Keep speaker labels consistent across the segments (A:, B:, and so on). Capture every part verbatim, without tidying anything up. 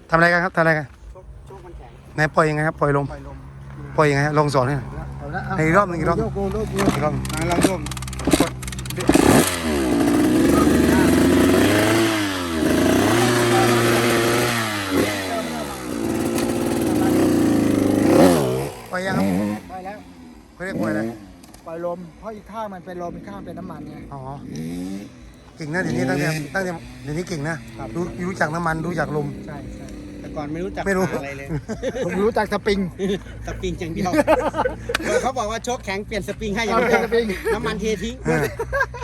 A: ทำอะไรกันครับทำอะไรกัน
B: โชคมันแข็ง
A: ไหนปล่อยยังไงครับปล่อยลม
B: ปล่อยลม
A: ปล่อยยังไงลองสอนให้หน่อย
B: เอาละ
A: อีกรอบหนึ่งอีกรอบ
B: โยกโยกโยกโยก
A: อีกรอบ
B: ลองโยกกด
A: ปล่อยยังครับ
B: ไปแล้ว
A: เขาเรียกปล่อยอะไร
B: ปล่อยลมเพราะอีกข้างมันเป็นลมอีกข้างเป็นน้ำมันไง
A: อ๋อเก่งนะเดี๋ยวนี้ตั้งแต่ตั้งแต่เดี๋ยวนี้เก่งนะรู้รู้จักน้ำมันรู้จักลม
B: ใช่ใช่แต่ก่อนไม่รู้จัก
A: ไม่รู้
B: อะไรเลย ผมรู้จักสปริงสปริงอย่างเดียวเขาบอกว่าโชคแข็งเปลี่ยนสปริงให้อย่างเดียวน้ำมันเททิ้ง
A: เออ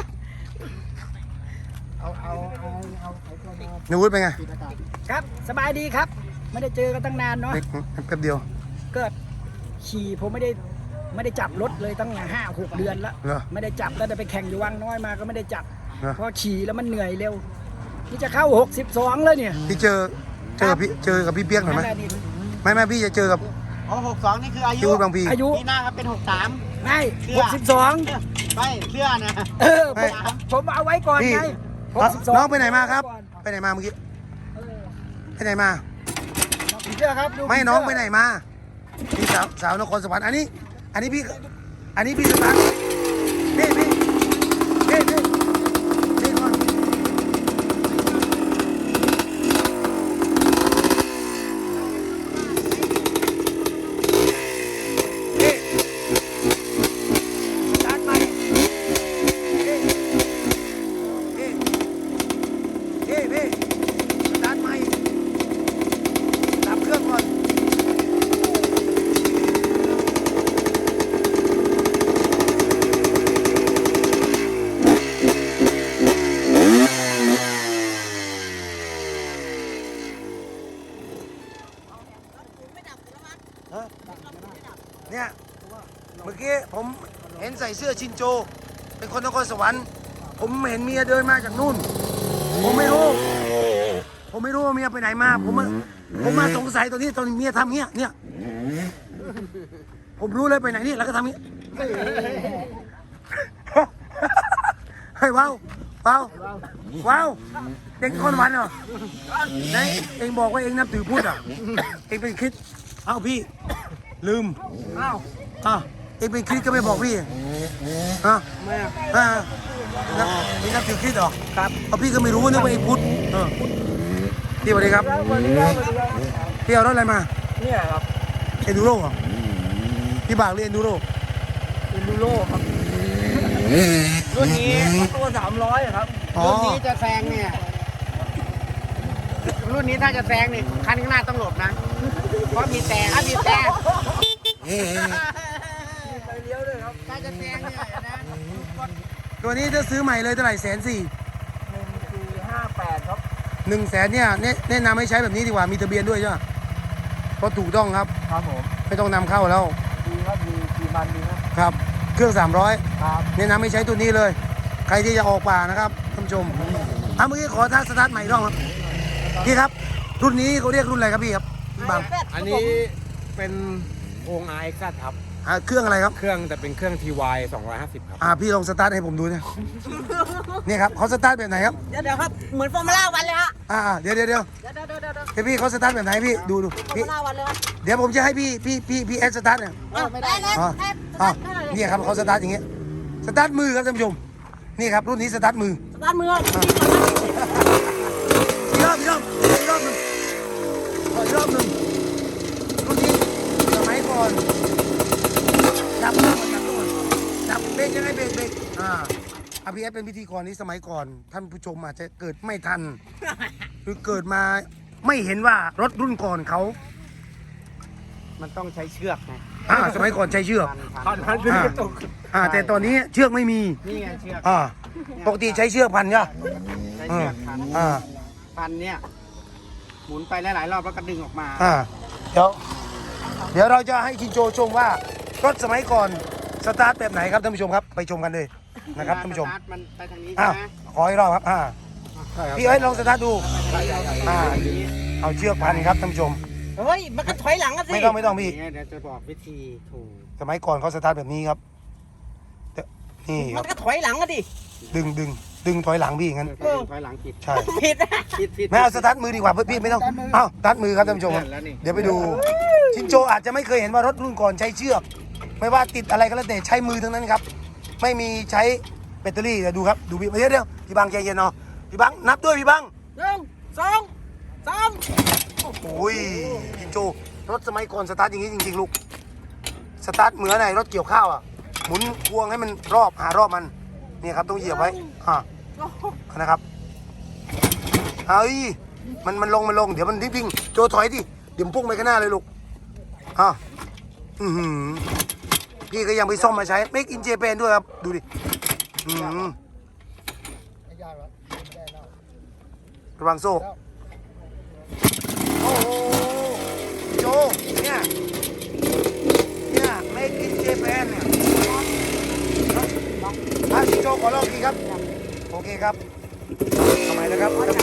B: เอาเอาเอาเอาไอ้ตัวมา
A: นวุฒิเป็นไง
B: ปิดอากาศ
C: ครับสบายดีครับ ไม่ได้เจอกันตั้งนานเนาะ
A: เด็กแป๊บเดียว
C: เกิดขี่ผมไม่ได้ไม่ได้จับรถเลยตั้งห้าหกเดือนแล้ว
A: เหรอ
C: ไม่ได้จับแล้วแต่ไปแข่งอยู่วังน้อยมาก็ไม่ได้จับ
A: เหรอ
C: เพราะขี่แล้วมันเหนื่อยเร็วนี่จะเข้าหกสิบสองแล้วเนี่ย
A: พี่เจอเจอพี่เจอกับพี่เปียกหน่อยไหม
C: นั่นแหละนี่
A: ไม่ไม่พี่จะเจอกับ
B: อ๋อหกสองนี่คืออา
A: พี่
B: ยุ
A: วุฒิบางพี
C: อายุ
B: ปีหน้าครับเป็นหกสาม
C: ไม่
B: เชื่
C: ห
B: อ
C: กสิบสอง
B: ไม่เชื่อนะ
C: เออผมผมเอาไว้ก่อน
A: พี่
C: ไงหก
A: น้อง
C: สิบสอง
A: น้องไปไหนมาครับ ไปไหนมาเมื่อกี้
C: เออ
A: ไปไหนมา
C: ผีเสื้อครับดู
A: ไม่
C: ผีเสื้
A: น้องไปไหนมาพี่สาวสาวนครสวรรค์อันนี้ อันนี้พี่ อันนี้พี่สตาร์ทพี่พี่พี่พี่พี่ก่อนพี่
C: สตาร์ทไป
A: พี่พี่พี่พี่สตาร์ทใหม่ดับเครื่องก่อนเนี่ยเมื่อกี้ผมเห็นใส่เสื้อชินโจ เป็นคนนครสวรรค์ผมเห็นเมียเดินมาจากนู่น ผมไม่รู้ ผมไม่รู้ว่าเมียไปไหนมา ผมมาผมมาสงสัยตอนนี้ตอนเมียทำเงี้ยเนี่ยผมรู้เลยไปไหนนี่แล้วก็ทำเงี้ยเฮ้ยว้าวว้าวว้าวเด็กคนวันเหรอไหนเองบอกว่าเองนับถือพุทธอ่ะเองเป็นคริสต์เอ้าพี่ลืม
C: อ้าว
A: อ่ะเองเป็นคริสต์ก็ไม่บอกพี่อ่ะ
C: ไม่อะ
A: อ่ะนับเองนับถือคริสต์เหรอ
C: ครับ
A: เพราะพี่ก็ไม่รู้นึกว่าเองพุทธเออพี่สวัสดีครับ
C: วันนี้ครับวันนี้ครับ
A: พี่เอารถอะไรมา
C: เนี่ยครับ
A: เอ็นดูโร่เหรอพี่บากเรียนดูโร่
C: เอ็นดูโร่ครับรุ่นนี้ตัวสามร้อยครับ
A: อ๋อ
B: รุ่นนี้จะแซงเนี่ย รุ่นนี้ถ้าจะแซงนี่คันข้างหน้าต้องหลบนะ เพราะมีแต่ถ้ามีแต่
C: ไปเลี้ยวด้วยครับ
B: ถ้าจะแซงเนี่ยนะ
A: ตัวนี้จะซื้อใหม่เลยเท่าไหร่แสนสี่
C: หนึ่งสี่ห้าแปดครับ
A: หนึ่งแสนเนี่ยแนะแนะนำให้ใช้แบบนี้ดีกว่ามีทะเบียนด้วยใช่ไหมเพราะถูกต้องครับ
C: ครับผม
A: ไม่ต้องนำเข้าแล้ว
C: ดีครับดีดีมันดีครับ
A: ครับ เครื่องสามร้อย
C: ครับ
A: แนะนำให้ใช้ตัวนี้เลย ใครที่จะออกป่านะครับท่านผู้ชมอ่ะเมื่อกี้ขอทักสตาร์ทใหม่อีกรอบครับพี่ครับ รุ่นนี้เขาเรียกรุ่นอะไรครับพี่ครับพี่บัง
D: อันนี้เป็นองค์ อาร์ เอ็กซ์ ครับ
A: อ่ะเครื่องอะไรครับ
D: เครื่องแต่เป็นเครื่อง ที วาย สองร้อยห้าสิบ ครับ
A: อ่าพี่ลองสตาร์ทให้ผมดูเนี่ยนี่ครับเขาสตาร์ทแบบไหนครับ
C: เดี๋ยวเดี๋ยวครับเหมือนฟอร์มูล่าวันเลยฮะ
A: อ่าเดี๋ยวเดี๋ยวเดี๋ยว
C: เดี๋ยวเดี๋ยวเดี๋ยวเดี๋ยว
A: เดี๋ยวพี่เขาสตาร์ทแบบไหนพี่ดูดู
C: ฟอร์
A: พี่
C: มูล่าวันเลยครับ
A: เดี๋ยวผมจะให้พี่พี่พี่พี่แอดสตาร์ทเนี่ย
B: ไม่ได้นะ
A: อ๋ออ๋อเนี่ยครับเขาสตาร์ทอย่างเงี้ยสตาร์ทมือครับท่านผู้ชมนี่ครับรุ่นนี้สตาร์ทมือ
C: สตาร์ทมือ
A: อีกรอบอีกรอบอีกรอบหนึ่งขออีกรอบหนึ่งรุ่นนี้สมัยก่อนจับตัวก่อนจับตัวก่อนจับเบรกยังไงเบรกเบรกอ่าอาพีเอสเป็นพิธีกรนี้สมัยก่อน ท่านผู้ชมอาจจะเกิดไม่ทัน หรือเกิดมาไม่เห็นว่ารถรุ่นก่อนเขา
B: มันต้องใช้เชือกไง
A: อ่าสมัยก่อนใช้เชือก
B: พันพัน
A: อ่าอ่าแต่ตอนนี้เชือกไม่มี
B: นี่ไงเชือก
A: อ่าปกติใช้เชือกพันใช่ไหม
B: ใช้เชือกพัน
A: อ่า
B: พันเนี่ยหมุนไปหลายๆรอบแล้วก็ดึงออกมา
A: อ่าเดี๋ยวเดี๋ยวเราจะให้ชินโจชมว่ารถสมัยก่อนสตาร์ทแบบไหนครับท่านผู้ชมครับไปชมกันเลยนะครับท่านผู้ชม
B: สตร์ทมันไปทางนี้
A: อ้า
B: ใช่
A: ว
B: ไหม
A: ขออีกรอบครับอ่าพี่เอ้ยลองสตาร์ทดู อ่า เอาเชือกพันครับท่านผู้ชม
C: เฮ้ยมันก็ถอยหลังกันสิ
A: ไม่ต้องไม่ต้องพี่
B: เนี่ยเดี๋ยวจะบอกวิธีถูก
A: สมัยก่อนเขาสตาร์ทแบบนี้ครับแต่นี่ค
C: มั
A: รับ
C: นก็ถอยหลังกันดิ
A: ดึงดึงดึงถอยหลังพี่อย่างนั้น
B: เออถอยหลังผิด
A: ใช่
B: ผิดผิดผิด
A: ไม่เอาสตาร์ทมือดีกว่าเพื่อพี่ไม่ต้องเอ้าสตาร์ทมือครับท่านผู้ชมครับ
D: แล้วนี่
A: เดี๋ยวไปดูชินโจอาจจะไม่เคยเห็นว่ารถรุ่นก่อนใช้เชือก ไม่ว่าติดอะไรก็แล้วแต่ใช้มือทั้งนั้นครับ ไม่มีใช้แบตเตอรี่เดี๋ยวดูครับดูพี่เดี๋ยวเดี๋ยวพี่บังใจเย็นเนาะพี่บังนับด้วยพี่บัง
B: หนึ่งสองสาม
A: โอ้ยชินโจรถสมัยก่อนสตาร์ทอย่างนี้จริงๆลูกสตาร์ทเหมือนไหนรถเกี่ยวข้าวอ่ะหมุนพวงให้มันรอบหารอบมันนี่ครับต้องเหยียบไว้อ่านะครับเฮ้ยมันมันลงมันลงเดี๋ยวมันรีบวิ่งโจถอยดิเดี๋ยวมันพุ่งไปข้างหน้าเลยลูกอ่ะอือหือพี่ก็ยังไปซ่อมมาใช้ Make in Japan ด้วยครับดูดิอืมระวังโซ่โอ้โหโจเนี่ยเนี่ย Make in Japan เนี่ยอ่ะโจขอลองทีครับโอเคครับทำไมนะครับท่าน